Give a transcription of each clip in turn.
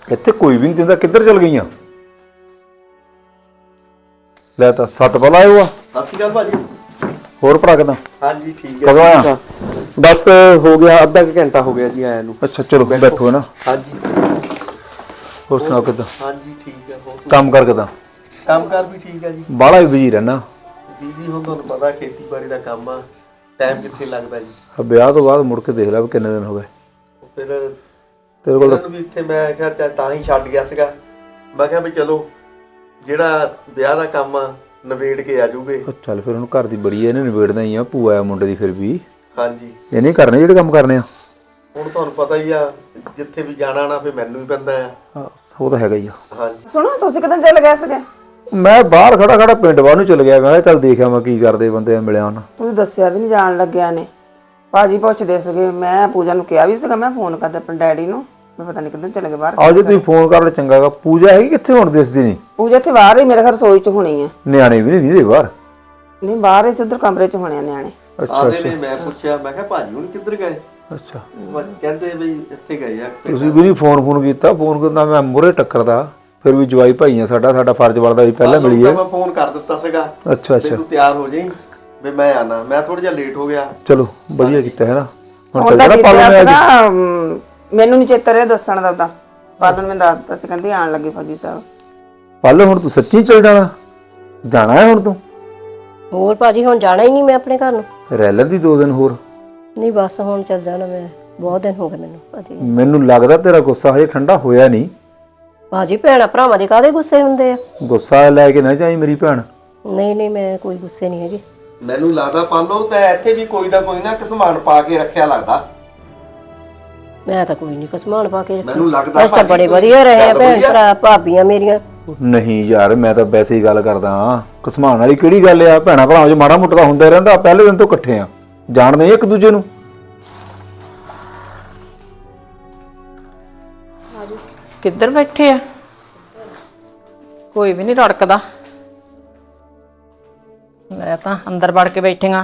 ਇੱਥੇ ਕੋਈ ਵੀ ਨਹੀਂ ਦਿੰਦਾ, ਕਿੱਧਰ ਚਲ ਗਈਆਂ? ਲੈ ਤਾਂ 7 ਵਾਲਾ ਆਇਓ ਆ। ਸਤਿ ਸ਼੍ਰੀ ਅਕਾਲ ਭਾਜੀ। ਹੋਰ ਭਰਾ ਕਿਦਾਂ? ਹਾਂਜੀ ਠੀਕ ਹੈ। ਕਦੋਂ ਆਇਆ? ਬਸ ਹੋ ਗਿਆ ਅੱਧਾ ਕੁ ਘੰਟਾ ਹੋ ਗਿਆ ਜੀ ਆਇਆ ਨੂੰ। ਅੱਛਾ ਚਲੋ ਬੈਠੋ ਹੈ ਨਾ। ਹਾਂਜੀ ਹੋਰ ਸੁਣਾਓ ਕਿਦਾਂ? ਹਾਂਜੀ ਠੀਕ ਹੈ। ਹੋਰ ਕੰਮ ਕਰ ਕਿਦਾਂ? ਕੰਮ ਕਾਰ ਵੀ ਠੀਕ ਹੈ ਜੀ। ਬਾਹਲਾ ਹੀ ਬਿਜੀ ਰਹਿਣਾ। ਬੀਜੀ ਹੁਣ ਤੁਹਾਨੂੰ ਪਤਾ ਖੇਤੀਬਾੜੀ ਦਾ ਕੰਮ ਆ, ਟਾਈਮ ਕਿੱਥੇ ਲੱਗਦਾ ਜੀ। ਵਿਆਹ ਤੋਂ ਬਾਅਦ ਮੁੜ ਕੇ ਦੇਖ ਲੈ ਵੀ ਕਿੰਨੇ ਦਿਨ ਹੋ ਗਏ ਫਿਰ ਤੇਰੇ ਕੋਲ। ਵੀ ਇੱਥੇ ਮੈਂ ਕਿਹਾ ਤਾਂ ਹੀ ਛੱਡ ਗਿਆ ਸੀਗਾ। ਮੈਂ ਕਿਹਾ ਵੀ ਚਲੋ ਜਿਹੜਾ ਵਿਆਹ ਦਾ ਕੰਮ ਆ ਨਵੇੜ ਕੇ ਆ ਜੂਗੇ। ਚੱਲ ਫਿਰ ਹੁਣ ਘਰ ਦੀ ਬੜੀ ਹੈ, ਇਹਨੇ ਨਿਬੇੜਨਾ ਹੀ ਆ। ਭੂਆ ਆ ਮੁੰਡੇ ਦੀ ਫਿਰ ਵੀ। ਹਾਂਜੀ ਇਹ ਨਹੀਂ ਕਰਨੇ ਜਿਹੜੇ ਕੰਮ ਕਰਨੇ ਆ। ਹੁਣ ਤੁਹਾਨੂੰ ਪਤਾ ਹੀ ਆ ਜਿੱਥੇ ਵੀ ਜਾਣਾ ਨਾ ਫਿਰ ਮੈਨੂੰ ਹੀ ਪੈਂਦਾ ਆ। ਉਹ ਤਾਂ ਹੈਗਾ ਹੀ ਆ। ਹਾਂਜੀ ਸੁਣੋ ਤੁਸੀਂ ਕਿੱਦਾਂ ਚੱਲ ਗਏ ਸੀਗੇ? ਮੈਂ ਬਾਹਰ ਖੜਾ ਪਿੰਡ ਬਾਹਰ ਨੂੰ ਚਲ ਗਿਆ। ਮੈਂ ਕਿਹਾ ਚੱਲ ਦੇਖਿਆ ਮੈਂ ਕੀ ਕਰਦੇ ਬੰਦੇ ਮਿਲਿਆ ਉਹਨਾਂ। ਤੁਸੀਂ ਦੱਸਿਆ ਵੀ ਨਹੀਂ ਜਾਣ ਲੱਗਿਆ ਨੇ। ਭਾਜੀ ਪੁੱਛਦੇ ਸੀਗੇ, ਮੈਂ ਪੂਜਾ ਨੂੰ ਕਿਹਾ ਵੀ ਸੀਗਾ ਮੈਂ ਫੋਨ ਕਰਦਾ ਆਪਣੇ ਡੈਡੀ ਨੂੰ, ਮੈਂ ਪਤਾ ਨਹੀਂ ਕਿੱਦਾਂ ਚਲੇ ਗਏ ਬਾਹਰ। ਆਜੋ ਤੁਸੀਂ ਫੋਨ ਕਰ ਲੈ ਚੰਗਾ ਹੈਗਾ। ਪੂਜਾ ਹੈਗੀ ਕਿੱਥੇ ਹੁਣ ਦਿਸਦੀ ਨਹੀਂ? ਪੂਜਾ ਇੱਥੇ ਬਾਹਰ ਹੀ ਮੇਰੇ ਘਰ ਰਸੋਈ 'ਚ ਹੋਣੀ ਆ। ਨਿਆਣੇ ਵੀ ਨਹੀਂ ਦੀਦੇ ਬਾਹਰ? ਨਹੀਂ ਬਾਹਰ ਹੀ ਉਧਰ ਕਮਰੇ 'ਚ ਹੋਣੇ ਆ ਨਿਆਣੇ। ਅੱਛਾ ਨੇ ਮੈਂ ਪੁੱਛਿਆ, ਮੈਂ ਕਿਹਾ ਭਾਜੀ ਹੁਣ ਕਿੱਧਰ ਗਏ? ਅੱਛਾ ਕਹਿੰਦੇ ਵੀ ਇੱਥੇ ਗਏ ਆ। ਤੁਸੀਂ ਵੀ ਨਹੀਂ ਫੋਨ ਕੀਤਾ? ਫੋਨ ਕਰਦਾ ਮੈਂ ਮੂਹਰੇ ਟੱਕਰਦਾ। ਫਿਰ ਵੀ ਜਵਾਈ ਭਾਈ ਆ ਸਾਡਾ ਫਰਜ਼ ਬਣਦਾ ਵੀ ਪਹਿਲਾਂ ਮਿਲੀਏ। ਮੈਂ ਫੋਨ ਕਰ ਦਿੱਤਾ ਸੀਗਾ। ਅੱਛਾ ਤੂੰ ਤਿਆਰ ਹੋ ਜਾਈਂ ਵੀ ਮੈਂ ਆਣਾ। ਮੈਂ ਥੋੜਾ ਜਿਹਾ ਲੇਟ ਹੋ ਗਿਆ। ਚਲੋ ਵਧੀਆ ਕੀਤਾ ਹੈ ਨਾ। ਹੁਣ ਉਹਦਾ ਚੱਲ ਕੀਤਾ ਮੈਨੂੰ ਨੀ ਚੇਤਾ ਰਿਹਾ ਦੱਸਣ ਦਾ। ਤਾਂ ਬਾਦਲ ਮੈਂ ਦੱਸਤਾ ਸੀ, ਕਹਿੰਦੀ ਆਣ ਲੱਗੇ ਫੌਜੀ ਸਾਹਿਬ। ਪੱਲ ਹੁਣ ਤੂੰ ਸੱਚੀ ਚੱਲ ਜਾਣਾ ਹੈ ਹੁਣ ਤੂੰ? ਹੋਰ ਭਾਜੀ ਹੁਣ ਜਾਣਾ ਹੀ ਨਹੀਂ ਮੈਂ ਆਪਣੇ ਘਰ ਨੂੰ। ਰਹਿ ਲੈਂਦੀ 2 ਦਿਨ ਹੋਰ। ਨਹੀਂ ਬਸ ਹੁਣ ਚੱਲ ਜਾਣਾ ਮੈਂ। ਬਹੁਤ ਦਿਨ ਹੋ ਗਏ ਮੈਨੂੰ ਭਾਜੀ। ਮੈਨੂੰ ਲੱਗਦਾ ਤੇਰਾ ਗੁੱਸਾ ਹਜੇ ਠੰਡਾ ਹੋਇਆ ਨਹੀਂ। ਭਾਜੀ ਭੈਣਾਂ ਭਰਾਵਾਂ ਦੇ ਕਾਹਦੇ ਗੁੱਸੇ ਹੁੰਦੇ ਆ? ਗੁੱਸਾ ਲੈ ਕੇ ਨਾ ਜਾਈ ਮੇਰੀ ਭੈਣ। ਨਹੀਂ ਮੈਂ ਕੋਈ ਗੁੱਸੇ ਨਹੀਂ ਹੈਗੀ। ਮੈਨੂੰ ਲੱਗਦਾ ਪਾਲੋ ਤਾਂ ਇੱਥੇ ਵੀ ਕੋਈ ਨਾ ਸਮਾਨ ਪਾ ਕੇ ਰੱਖਿਆ ਲੱਗਦਾ। ਮੈਂ ਤਾਂ ਕੋਈ ਨਹੀਂ ਸਮਾਨ ਪਾ ਕੇ ਰੱਖਿਆ। ਮੈਨੂੰ ਲੱਗਦਾ ਤਾਂ ਬੜੇ ਵਧੀਆ ਰਹੇ ਆ ਭੈਣ ਭਰਾ ਭਾਬੀਆਂ ਮੇਰੀਆਂ। ਨਹੀਂ ਯਾਰ ਮੈਂ ਤਾਂ ਵੈਸੇ ਹੀ ਗੱਲ ਕਰਦਾ ਹਾਂ। ਘਸਮਾਨ ਵਾਲੀ ਕਿਹੜੀ ਗੱਲ ਆ? ਭੈਣਾਂ ਭਰਾਵਾਂ 'ਚ ਮਾੜਾ ਮੋਟਾ ਤਾਂ ਹੁੰਦਾ ਰਹਿੰਦਾ। ਪਹਿਲੇ ਦਿਨ ਤੋਂ ਇਕੱਠੇ ਆ, ਜਾਣਦੇ ਇੱਕ ਦੂਜੇ ਨੂੰ। ਕਿੱਧਰ ਬੈਠੇ ਆ? ਕੋਈ ਵੀ ਨਹੀਂ ਰੜਕਦਾ। ਮੈਂ ਤਾਂ ਅੰਦਰ ਵੜ ਕੇ ਬੈਠੀਆਂ।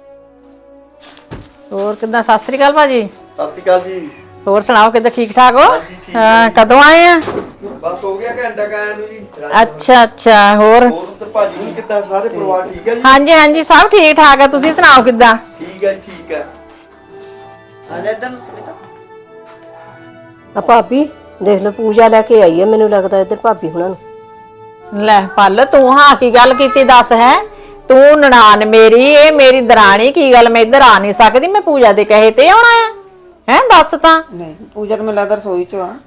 ਹੋਰ ਕਿੱਦਾਂ? ਸਤਿ ਸ੍ਰੀ ਅਕਾਲ ਭਾਜੀ। ਸਤਿ ਸ਼੍ਰੀ ਅਕਾਲ ਜੀ। ਹੋਰ ਸੁਣਾਓ ਕਿੱਦਾਂ? ਠੀਕ ਠਾਕ ਹੋ? ਹਾਂਜੀ, ਠੀਕ ਹਾਂ ਕਦੋਂ ਆਏ ਆ? ਬਸ ਹੋ ਗਿਆ ਘੰਟਾ ਕਾਇਆ ਨੂੰ ਜੀ। ਅੱਛਾ ਹੋਰ? ਹੋਰ ਉੱਧਰ ਭਾਜੀ ਨੂੰ ਕਿੱਦਾਂ? ਸਾਰੇ ਪਰਿਵਾਰ ਠੀਕ ਹੈ ਜੀ? ਹਾਂਜੀ ਸਭ ਠੀਕ ਠਾਕ ਆ। ਤੁਸੀਂ ਸੁਣਾਓ ਕਿੱਦਾਂ? ਠੀਕ ਹੈ ਜੀ ਠੀਕ ਹੈ। ਆ ਭਾਬੀ ਦੇਖ ਲਓ ਪੂਜਾ ਲੈ ਕੇ ਆਈ ਹੈ। ਮੈਨੂੰ ਲੱਗਦਾ ਇੱਧਰ ਭਾਬੀ ਹੁਣਾਂ ਨੂੰ। ਲੈ ਪੱਲ ਤੂੰ ਹਾਂ ਕੀ ਗੱਲ ਕੀਤੀ ਦੱਸ? ਹੈ ਤੂੰ ਨਨਾਣ ਮੇਰੀ, ਇਹ ਮੇਰੀ ਦਰਾਣੀ, ਕੀ ਗੱਲ ਮੈਂ ਇੱਧਰ ਆ ਨਹੀਂ ਸਕਦੀ? ਮੈਂ ਪੂਜਾ ਦੇ ਕਹੇ ਤੇ ਆਉਣਾ ਆ? ਹੈ ਦੱਸ ਤਾਂ। ਨਹੀਂ ਪੂਜਾ ਤਾਂ ਮੈਨੂੰ ਲੱਗਦਾ ਰਸੋਈ 'ਚ ਆ।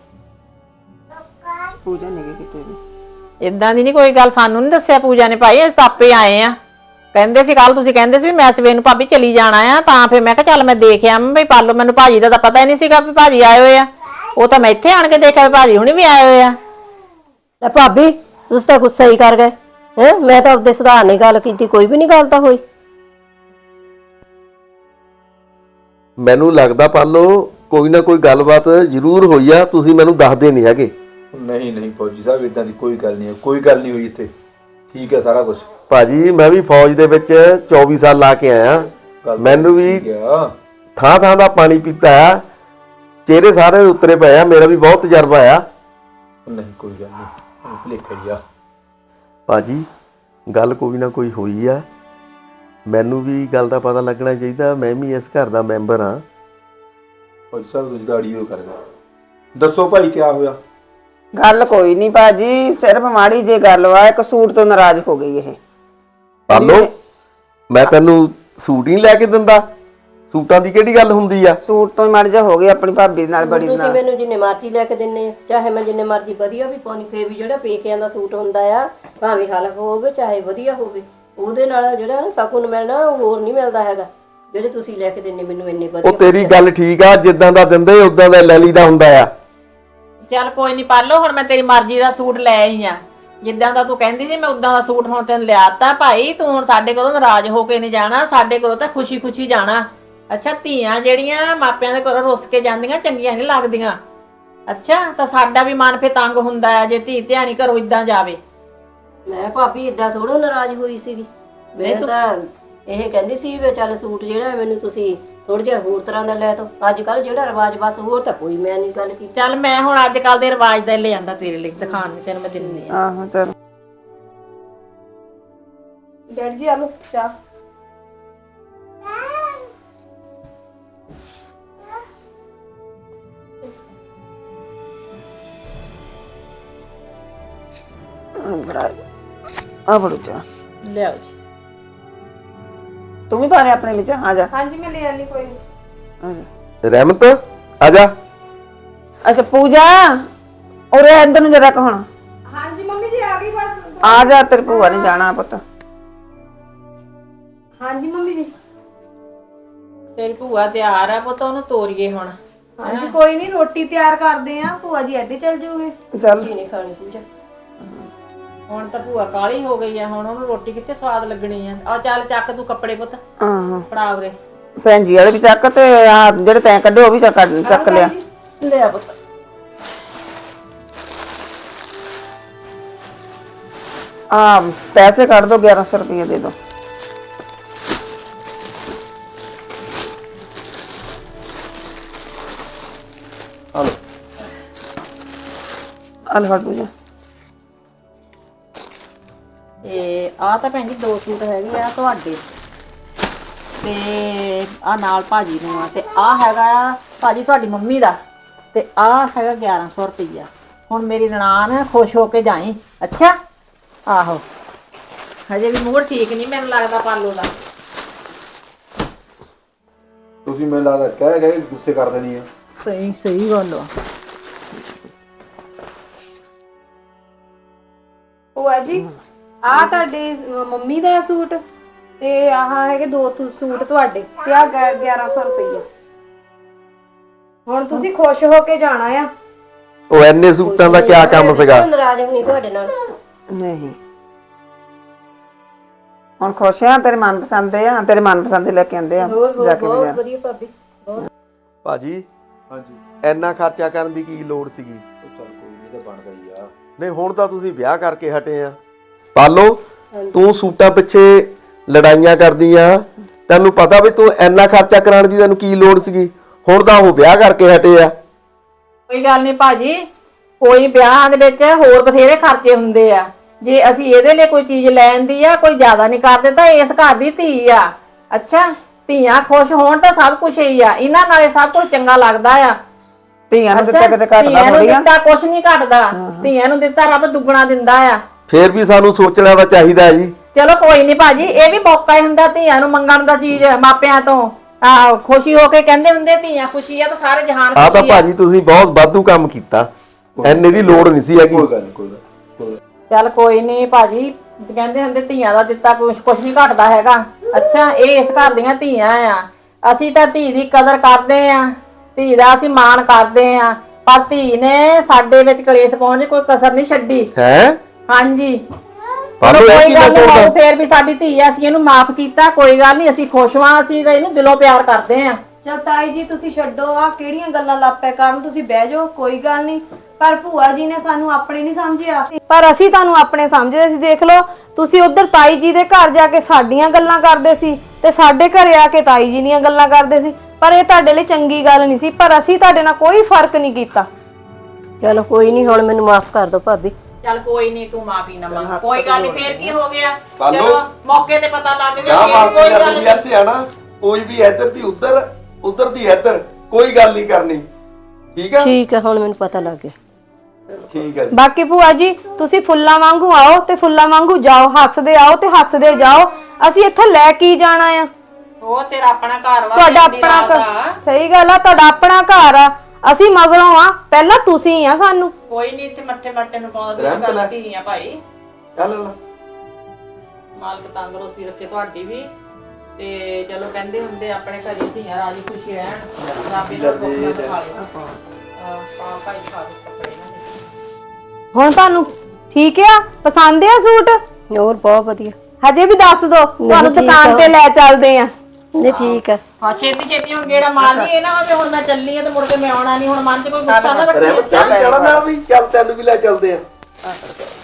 ਪੂਜਾ ਨਹੀਂ ਕਿਤੇ ਵੀ। ਇਦਾਂ ਦੀ ਨਹੀਂ ਕੋਈ ਗੱਲ। ਸਾਨੂੰ ਨਹੀਂ ਦੱਸਿਆ ਪੂਜਾ ਨੇ ਭਾਈ। ਅਸੀਂ ਤਾਂ ਆਪੇ ਆਏ ਆ। ਕਹਿੰਦੇ ਸੀ ਕੱਲ ਤੁਸੀਂ ਕਹਿੰਦੇ ਸੀ ਵੀ ਮੈਂ ਸਵੇਰ ਨੂੰ ਭਾਬੀ ਚਲੀ ਜਾਣਾ ਆ। ਤਾਂ ਫਿਰ ਮੈਂ ਕਿਹਾ ਚੱਲ ਮੈਂ ਦੇਖ ਆਵਾਂ ਬਈ ਪਾਲੋ। ਮੈਨੂੰ ਭਾਜੀ ਦਾ ਤਾਂ ਪਤਾ ਹੀ ਨਹੀਂ ਸੀਗਾ ਵੀ ਭਾਜੀ ਆਏ ਹੋਏ ਆ। ਉਹ ਤਾਂ ਮੈਂ ਇੱਥੇ ਆਣ ਕੇ ਦੇਖਿਆ ਵੀ ਭਾਜੀ ਹੁਣੀ ਵੀ ਆਏ ਹੋਏ ਆ। ਲੈ ਭਾਬੀ ਤੁਸੀਂ ਤਾਂ ਗੁੱਸਾ ਹੀ ਕਰ ਗਏ ਹੈ। ਮੈਂ ਤਾਂ ਆਪਦੇ ਸੁਧਾਰ ਨਾਲ ਗੱਲ ਕੀਤੀ, ਕੋਈ ਵੀ ਨਹੀਂ ਗੱਲ ਤਾਂ ਹੋਈ। ਮੈਨੂੰ ਲੱਗਦਾ ਪਾਲੋ ਕੋਈ ਨਾ ਕੋਈ ਗੱਲਬਾਤ ਜ਼ਰੂਰ ਹੋਈ ਆ। ਤੁਸੀਂ ਮੈਨੂੰ ਦੱਸਦੇ ਨਹੀਂ ਹੈਗੇ। ਨਹੀਂ ਫੌਜੀ ਸਾਹਿਬ ਇਦਾਂ ਦੀ ਕੋਈ ਗੱਲ ਨਹੀਂ। ਕੋਈ ਗੱਲ ਨਹੀਂ ਹੋਈ ਇੱਥੇ। ਠੀਕ ਹੈ ਸਾਰਾ ਕੁਝ। ਭਾਜੀ ਮੈਂ ਵੀ ਫੌਜ ਦੇ ਵਿੱਚ 24 ਸਾਲ ਲਾ ਕੇ ਆਇਆ। ਮੈਨੂੰ ਵੀ ਥਾਂ ਦਾ ਪਾਣੀ ਪੀਤਾ ਆ। ਚਿਹਰੇ ਸਾਰੇ ਉਤਰੇ ਪਏ ਆ। ਮੇਰਾ ਵੀ ਬਹੁਤ ਤਜਰਬਾ ਆ। ਨਹੀਂ ਕੋਈ ਗੱਲ ਨਹੀਂ। ਭੁਲੇਖਾ ਹੀ ਆ ਭਾਜੀ। ਗੱਲ ਕੋਈ ਨਾ ਕੋਈ ਹੋਈ ਆ। ਮੈਨੂੰ ਵੀ ਗੱਲ ਦਾ ਪਤਾ ਲੱਗਣਾ ਚਾਹੀਦਾ। ਮੈਂ ਵੀ ਇਸ ਘਰ ਦਾ ਮੈਂਬਰ ਆ। ਫੌਜੀ ਸਾਹਿਬ ਤੁਸੀਂ ਦਾੜੀ ਹੋ ਕਰਦੇ। ਦੱਸੋ ਭਾਈ ਕੀ ਹੋਇਆ? ਗੱਲ ਕੋਈ ਨਹੀਂ ਭਾਜੀ, ਸਿਰਫ ਮਾੜੀ ਜੇ ਗੱਲ ਵਾ। ਇੱਕ ਸੂਟ ਤੋਂ ਨਾਰਾਜ਼ ਹੋ ਗਈ ਇਹ। ਪਾਲੋ ਮੈਂ ਤੈਨੂੰ ਸੂਟ ਹੀ ਲੈ ਕੇ ਦਿੰਦਾ। ਸੂਟਾਂ ਦੀ ਕਿਹੜੀ ਗੱਲ ਹੁੰਦੀ ਆ? ਸੂਟ ਤੋਂ ਮਾੜੀ ਜਿਹਾ ਹੋ ਗਈ ਆਪਣੀ ਭਾਬੀ ਨਾਲ ਬੜੀ ਤੁਸੀਂ ਨਾਲ। ਮੈਨੂੰ ਜਿੰਨੇ ਮਰਜ਼ੀ ਲੈ ਕੇ ਦਿੰਨੇ ਆ, ਚਾਹੇ ਮੈਂ ਜਿੰਨੇ ਮਰਜ਼ੀ ਵਧੀਆ ਵੀ ਪਾਉਣੀ, ਫੇਰ ਵੀ ਜਿਹੜਾ ਪੇਕਿਆਂ ਦਾ ਸੂਟ ਹੁੰਦਾ ਆ ਭਾਵੇਂ ਹਲਕਾ ਹੋਵੇ ਚਾਹੇ ਵਧੀਆ ਹੋਵੇ, ਉਹਦੇ ਨਾਲ ਜਿਹੜਾ ਸਕੂਨ ਮਿਲਣਾ ਉਹ ਹੋਰ ਨਹੀਂ ਮਿਲਦਾ ਹੈਗਾ। ਜਿਹੜੇ ਤੁਸੀਂ ਲੈ ਕੇ ਦਿੰਨੇ ਮੈਨੂੰ ਇੰਨੇ ਵਧੀਆ। ਉਹ ਤੇਰੀ ਗੱਲ ਠੀਕ ਆ। ਜਿੱਦਾਂ ਦਾ ਦਿੰਦੇ ਉਦਾਂ ਦਾ ਲੈ ਲਈਦਾ ਹੁੰਦਾ ਆ। ਚੱਲ ਕੋਈ ਨਹੀਂ ਪਾਲੋ। ਹੁਣ ਮੈਂ ਤੇਰੀ ਮਰਜ਼ੀ ਦਾ ਸੂਟ ਲੈ ਆਈ ਆ। ਜਿੱਦਾਂ ਦਾ ਤੂੰ ਕਹਿੰਦੀ ਸੀ ਮੈਂ ਉਦਾਂ ਦਾ ਸੂਟ ਹੁਣ ਤੈਨੂੰ ਲਿਆਤਾ ਭਾਈ। ਤੂੰ ਹੁਣ ਸਾਡੇ ਕੋਲੋਂ ਨਾਰਾਜ਼ ਹੋ ਕੇ ਨਹੀਂ ਜਾਣਾ। ਸਾਡੇ ਕੋਲੋਂ ਤਾਂ ਖੁਸ਼ੀ ਜਾਣਾ। ਅੱਛਾ ਧੀਆਂ ਜਿਹੜੀਆਂ ਮਾਪਿਆਂ ਦੇ ਘਰੋਂ ਰੁੱਸ ਕੇ ਜਾਂਦੀਆਂ ਚੰਗੀਆਂ ਨਹੀਂ ਲੱਗਦੀਆਂ। ਅੱਛਾ ਤਾਂ ਸਾਡਾ ਵੀ ਮਨ ਫੇ ਤੰਗ ਹੁੰਦਾ ਹੈ ਜੇ ਧੀ ਧਿਆਣੀ ਘਰੋਂ ਇਦਾਂ ਜਾਵੇ। ਮੈਂ ਭਾਬੀ ਇਦਾਂ ਥੋੜਾ ਨਾਰਾਜ਼ ਹੋਈ ਸੀਗੀ। ਮੈਂ ਤਾਂ ਇਹ ਕਹਿੰਦੀ ਸੀ ਵੀ ਚੱਲ ਸੂਟ ਜਿਹੜਾ ਮੈਨੂੰ ਤੁਸੀਂ ਥੋੜਾ ਜਿਹਾ ਹੋਰ ਤਰ੍ਹਾਂ ਦਾ ਲੈ ਤੋ। ਅੱਜ ਕੱਲ ਜਿਹੜਾ ਰਿਵਾਜ ਬਸ ਹੋਰ ਤਾਂ ਕੋਈ ਮੈਂ ਨਹੀਂ ਗੱਲ ਕੀਤੀ। ਚੱਲ ਮੈਂ ਹੁਣ ਅੱਜ ਕੱਲ ਦੇ ਰਿਵਾਜ ਦਾ ਹੀ ਲੈ ਆਂਦਾ ਤੇਰੇ ਲਈ ਦਿਖਾਣ ਨੂੰ, ਤੈਨੂੰ ਮੈਂ ਦਿੰਨੀ ਆ। ਆਹੋ ਚਲ ਡੈਡੀ ਜੀ ਆਲੋ ਚਾਹ। ਆ ਬੜੂ ਚਾ ਲਿਆਓ ਜੀ। ਤੂੰ ਵੀ ਪਾ ਰਿਹਾ ਆਪਣੇ ਲਈ ਚਾਹ, ਆ ਜਾ ਹਾਂਜੀ ਮੈਂ ਲੈ ਆਨੀ ਕੋਈ ਨਹੀਂ। ਆ ਜਾ। ਰਹਿਮਤ ਆ ਜਾ। ਅੱਛਾ ਪੂਜਾ ਉਰੇ ਇੱਧਰ ਨੂੰ ਜਰਾ ਕ ਹੁਣ ਹਾਂਜੀ ਮੰਮੀ ਜੀ ਆ ਗਈ ਬਸ। ਆ ਜਾ, ਤੇਰੀ ਭੂਆ ਨੇ ਜਾਣਾ ਪੁੱਤ। ਹਾਂਜੀ ਮੰਮੀ ਜੀ। ਤੇਰੀ ਭੂਆ ਤਿਆਰ ਆ ਪੁੱਤ, ਉਹਨੂੰ ਤੋਰੀਏ ਹੁਣ। ਹਾਂਜੀ ਕੋਈ ਨਹੀਂ, ਰੋਟੀ ਤਿਆਰ ਕਰਦੇ ਆ, ਭੂਆ ਜੀ ਇੱਥੇ ਚੱਲ ਜੂਗੇ। ਚੱਲ ਨਹੀਂ ਖਾਣੀ ਪੂਜਾ। ਹੁਣ ਤਾਂ ਭੂਆ ਕਾਲੀ ਹੋ ਗਈ ਆ, ਹੁਣ ਉਹਨੂੰ ਰੋਟੀ ਕਿੱਥੇ ਸਵਾਦ ਲੱਗਣੀ ਆ। ਆ ਚੱਲ ਚੱਕ ਤੂੰ ਕੱਪੜੇ ਪੁੱਤ, ਆਹੋ ਫੜਾ ਉਰੇ। ਭੈਣ ਜੀ ਵਾਲੇ ਵੀ ਚੱਕ ਤੇ ਆ ਜਿਹੜੇ ਤੈਂ ਕੱਢੇ ਉਹ ਵੀ ਚੱਕ ਲਿਆ। ਲਿਆ ਪੁੱਤ। ਆ ਪੈਸੇ ਕੱਢ ਦੋ, 1100 ਰੁਪਏ ਦੇ ਦੋ। ਹਲੋ ਅਲ ਫੜ ਪੂਜਾ। ਤੇ ਆ ਤਾਂ ਭੈਣ ਜੀ 2 ਸੂਟ ਹੈਗੇ ਆ ਤੁਹਾਡੇ, ਤੇ ਆ ਨਾਲ ਭਾਜੀ ਨੂੰ ਆ, ਤੇ ਆ ਹੈਗਾ ਆ ਭਾਜੀ ਤੁਹਾਡੀ ਮੰਮੀ ਦਾ, ਤੇ ਆ ਹੈਗਾ 1100 ਰੁਪਈਆ। ਹੁਣ ਮੇਰੀ ਨਨਾਣ ਖੁਸ਼ ਹੋ ਕੇ ਜਾਈ। ਅੱਛਾ ਆਹੋ, ਹਜੇ ਵੀ ਮੂਡ ਠੀਕ ਨਹੀਂ ਮੈਨੂੰ ਲੱਗਦਾ ਪਾਲੋ ਦਾ। ਤੁਸੀਂ ਮੈਨੂੰ ਲੱਗਦਾ ਕਹਿ ਗਏ ਗੁੱਸੇ ਕਰ ਦੇਣੀ ਆ। ਸਹੀ ਗੱਲ ਆ। ਭੂਆ ਜੀ ਆ ਤੁਹਾਡੇ ਮੰਮੀ ਦਾ ਸੂਟ ਤੇ ਆਹ ਹੈਗੇ 2 ਸੂਟ ਤੁਹਾਡੇ ਤੇ ਆ 1100 ਰੁਪਈਆ। ਹੁਣ ਤੁਸੀਂ ਖੁਸ਼ ਹੋ ਕੇ ਜਾਣਾ ਆ। ਉਹ ਐਨੇ ਸੂਟਾਂ ਦਾ ਕੀ ਕੰਮ ਸੀਗਾ? ਨਾਰਾਜ਼ ਨਹੀਂ ਤੁਹਾਡੇ ਨਾਲ। ਨਹੀਂ ਹੁਣ ਖੁਸ਼ ਆ, ਤੇਰੇ ਮਨਪਸੰਦ ਦੇ ਆ, ਤੇਰੇ ਮਨਪਸੰਦ ਦੇ ਲੈ ਕੇ ਆਂਦੇ ਆ ਜਾ ਕੇ ਬਹੁਤ ਬਾਜ਼ਾਰ। ਵਧੀਆ ਭਾਬੀ। ਭਾਜੀ ਹਾਂਜੀ ਐਨਾ ਖਰਚਾ ਕਰਨ ਦੀ ਕੀ ਲੋੜ ਸੀਗੀ? ਚੱਲ ਕੋਈ ਨਹੀਂ, ਤਾਂ ਬਣਦਾ ਹੀ ਆ। ਨਹੀਂ ਹੁਣ ਤਾਂ ਤੁਸੀਂ ਵਿਆਹ ਕਰਕੇ ਹਟੇ ਆ। ਪਾਲੋ ਤੂੰ ਸੂਟਾਂ ਪਿੱਛੇ ਲੜਾਈਆਂ ਕਰਦੀ ਆ, ਤੈਨੂੰ ਪਤਾ ਵੀ ਤੂੰ ਐਨਾ ਖਰਚਾ ਕਰਾਉਣ ਦੀ ਤੈਨੂੰ ਕੀ ਲੋੜ ਸੀਗੀ? ਹੁਣ ਤਾਂ ਉਹ ਵਿਆਹ ਕਰਕੇ ਹਟੇ ਆ। ਕੋਈ ਗੱਲ ਨਹੀਂ ਭਾਜੀ, ਕੋਈ ਵਿਆਹਾਂ ਦੇ ਵਿੱਚ ਹੋਰ ਬਥੇਰੇ ਖਰਚੇ ਹੁੰਦੇ ਆ। ਜੇ ਅਸੀਂ ਇਹਦੇ ਲਈ ਕੋਈ ਚੀਜ਼ ਲੈਣ ਦੀ ਆ, ਕੋਈ ਜ਼ਿਆਦਾ ਨਹੀਂ ਕਰਦੇ ਤਾਂ ਇਸ ਘਰ ਦੀ ਧੀ ਆ। ਅੱਛਾ ਧੀਆਂ ਖੁਸ਼ ਹੋਣ ਤਾਂ ਸਭ ਕੁਝ ਹੀ ਆ, ਇਹਨਾਂ ਨਾਲੇ ਸਭ ਕੁਝ ਚੰਗਾ ਲੱਗਦਾ ਆ। ਧੀਆਂ ਨੂੰ ਦਿੱਤਾ ਕਿਤੇ ਘਟਦਾ ਧੀਆਂ ਨੂੰ ਥੋੜੀ ਆ। ਦਿੱਤਾ ਕੁਝ ਨਹੀਂ ਘਟਦਾ, ਧੀਆਂ ਨੂੰ ਦਿੱਤਾ ਰੱਬ ਦੁੱਗਣਾ ਦਿੰਦਾ ਆ। ਫੇਰ ਵੀ ਸਾਨੂੰ ਸੋਚਣਾ ਤਾਂ ਚਾਹੀਦਾ ਹੈ ਜੀ। ਚਲੋ ਕੋਈ ਨਹੀਂ ਭਾਜੀ, ਇਹ ਵੀ ਮੌਕਾ ਹੀ ਹੁੰਦਾ ਧੀਆਂ ਨੂੰ ਮੰਗਣ ਦਾ ਚੀਜ਼ ਮਾਪਿਆਂ ਤੋਂ। ਖੁਸ਼ੀ ਹੋ ਕੇ ਕਹਿੰਦੇ ਹੁੰਦੇ ਧੀਆਂ ਖੁਸ਼ੀ ਆ ਤਾਂ ਸਾਰੇ ਜਹਾਨ ਆ ਤਾਂ ਖੁਸ਼ੀ ਆ। ਭਾਜੀ ਤੁਸੀਂ ਬਹੁਤ ਵਾਧੂ ਕੰਮ ਕੀਤਾ, ਐਨੇ ਦੀ ਲੋੜ ਨਹੀਂ ਸੀ ਹੈਗੀ। ਕੋਈ ਗੱਲ ਨਹੀਂ, ਕੋਈ ਗੱਲ। ਚੱਲ ਕੋਈ ਨਹੀਂ ਭਾਜੀ, ਕਹਿੰਦੇ ਹੁੰਦੇ ਧੀਆਂ ਦਾ ਦਿੱਤਾ ਕੁਝ ਨਹੀਂ ਘਟਦਾ ਹੈਗਾ। ਅੱਛਾ ਇਹ ਇਸ ਘਰ ਦੀਆਂ ਧੀਆਂ ਆ, ਅਸੀਂ ਤਾਂ ਧੀ ਦੀ ਕਦਰ ਕਰਦੇ ਆ, ਧੀ ਦਾ ਅਸੀਂ ਮਾਣ ਕਰਦੇ ਆ, ਪਰ ਧੀ ਨੇ ਸਾਡੇ ਵਿੱਚ ਕਲੇਸ਼ ਪਾਉਣ ਦੀ ਕੋਈ ਕਸਰ ਨਹੀਂ ਛੱਡੀ। ਹੈ ਹਾਂਜੀ ਪਾਲੋ ਚਲੋ ਇਹ ਕੋਈ ਕੀ ਗੱਲ ਮੈਂ ਨਹੀਂ, ਸੁਣਦਾ? ਫੇਰ ਵੀ ਸਾਡੀ ਧੀ ਆ, ਅਸੀਂ ਇਹਨੂੰ ਮਾਫ ਕੀਤਾ, ਕੋਈ ਗੱਲ ਨਹੀਂ, ਅਸੀਂ ਖੁਸ਼ ਹਾਂ, ਅਸੀਂ ਤਾਂ ਇਹਨੂੰ ਦਿਲੋਂ ਪਿਆਰ ਕਰਦੇ ਆ। ਚਲ ਤਾਈ ਜੀ ਤੁਸੀਂ ਛੱਡੋ ਆ ਕਿਹੜੀਆਂ ਗੱਲਾਂ ਲਾਪੈ ਕਰਨ, ਤੁਸੀਂ ਬਹਿ ਜਾਓ ਕੋਈ ਗੱਲ ਨਹੀਂ। ਪਰ ਭੂਆ ਜੀ ਨੇ ਸਾਨੂੰ ਆਪਣੇ ਨਹੀਂ ਸਮਝਿਆ, ਪਰ ਅਸੀਂ ਤੁਹਾਨੂੰ ਆਪਣੇ ਸਮਝਦੇ ਸੀ। ਦੇਖ ਲਓ ਤੁਸੀਂ ਉਧਰ ਤਾਈ ਜੀ ਦੇ ਘਰ ਜਾ ਕੇ ਸਾਡੀਆਂ ਗੱਲਾਂ ਕਰਦੇ ਸੀ ਤੇ ਸਾਡੇ ਘਰੇ ਆ ਕੇ ਤਾਈ ਜੀ ਦੀਆਂ ਗੱਲਾਂ ਕਰਦੇ ਸੀ, ਪਰ ਇਹ ਤੁਹਾਡੇ ਲਈ ਚੰਗੀ ਗੱਲ ਨਹੀਂ ਸੀ। ਪਰ ਅਸੀਂ ਤੁਹਾਡੇ ਨਾਲ ਕੋਈ ਫਰਕ ਨਹੀਂ ਕੀਤਾ। ਚਲੋ ਕੋਈ ਨਹੀਂ, ਹੁਣ ਮੈਨੂੰ ਮਾਫ ਕਰ ਦਿਓ ਭਾਬੀ। ਚੱਲ ਕੋਈ ਨਹੀਂ, ਤੂੰ ਮਾਫੀ ਨਾ ਮੰਗ, ਕੋਈ ਗੱਲ ਨਹੀਂ, ਫੇਰ ਕੀ ਹੋ ਗਿਆ। ਪਾਲੋ। ਚਲੋ ਮੌਕੇ ਤੇ ਪਤਾ ਲੱਗ ਕਿਆ ਗਿਆ, ਮਾਫੀ ਕੋਈ ਗੱਲ ਕਰਨੀ ਨਹੀਂ। ਐਸੇ ਆ ਨਾ, ਕੋਈ ਵੀ ਇੱਧਰ ਦੀ ਉੱਧਰ, ਉੱਧਰ ਦੀ ਇੱਧਰ, ਕੋਈ ਗੱਲ ਨਹੀਂ ਕਰਨੀ। ਠੀਕ ਆ? ਠੀਕ ਹੈ, ਹੁਣ ਮੈਨੂੰ ਪਤਾ ਲੱਗ ਗਿਆ। ਠੀਕ ਹੈ ਜੀ। ਬਾਕੀ ਭੂਆ ਜੀ ਤੁਸੀਂ ਫੁੱਲਾਂ ਵਾਂਗੂ ਆਓ ਤੇ ਫੁੱਲਾਂ ਵਾਂਗੂ ਜਾਓ, ਹੱਸਦੇ ਆਓ ਤੇ ਹੱਸਦੇ ਜਾਓ। ਅਸੀਂ ਇੱਥੋਂ ਲੈ ਕੇ ਹੀ ਜਾਣਾ ਆ। ਉਹ ਤੇਰਾ ਆਪਣਾ ਘਰ ਵਾ, ਤੁਹਾਡਾ ਤੇਰੀ ਆਪਣਾ ਰਾਤ ਆ। ਸਹੀ ਗੱਲ ਆ, ਤੁਹਾਡਾ ਆਪਣਾ ਘਰ ਆ, ਅਸੀਂ ਮਗਰੋਂ ਆ, ਪਹਿਲਾਂ ਤੁਸੀਂ ਆ ਸਾਨੂੰ। ਕੋਈ ਨਹੀਂ, ਇੱਥੇ ਮੱਠੇ ਨੂੰ ਪਾਉਂਦਾ ਰਹਿਮਤ ਲੈ। ਧੀ ਆ ਭਾਈ। ਚੱਲ ਮਾਲਕ ਤੰਦਰੁਸਤੀ ਰੱਖੇ ਤੁਹਾਡੀ ਵੀ, ਤੇ ਚਲੋ ਕਹਿੰਦੇ ਹੁੰਦੇ ਆਪਣੇ ਘਰੇ ਧੀਆਂ ਰਾਜੀ ਖੁਸ਼ੀ ਰਹਿਣ, ਰੱਬ ਇਹਨਾਂ ਨੂੰ ਸੁੱਖ ਨਾਲ ਖਾ ਲਿਓ। ਭਾਈ ਖਾ ਦੇ ਕੱਪੜੇ ਨਾ। ਹੁਣ ਤੁਹਾਨੂੰ ਠੀਕ ਆ, ਪਸੰਦ ਆ ਸੂਟ? ਹੋਰ ਬਹੁਤ ਵਧੀਆ। ਹਜੇ ਵੀ ਦੱਸ ਦੋ, ਤੁਹਾਨੂੰ ਠੀਕ ਦੁਕਾਨ ਆ। ਤੇ ਲੈ ਚੱਲਦੇ ਆ। ਨਹੀਂ ਠੀਕ ਹੈ। ਹਾਂ ਛੇਤੀ ਹੁਣ ਗੇੜਾ ਮਾਰਨੀ, ਇਹ ਨਾ ਹੋਵੇ ਹੁਣ ਮੈਂ ਚੱਲੀ ਆ ਤੇ ਮੁੜ ਕੇ ਮੈਂ ਆਉਣਾ ਨਹੀਂ। ਹੁਣ ਮਨ 'ਚ ਕੋਈ ਗੁੱਸਾ ਨਾ ਰੱਖੀ। ਰਹਿਮਤ ਚੱਲ ਜਾਣਾ ਨਾ ਵੀ, ਚੱਲ ਤੈਨੂੰ ਵੀ ਲੈ ਚੱਲਦੇ ਆ।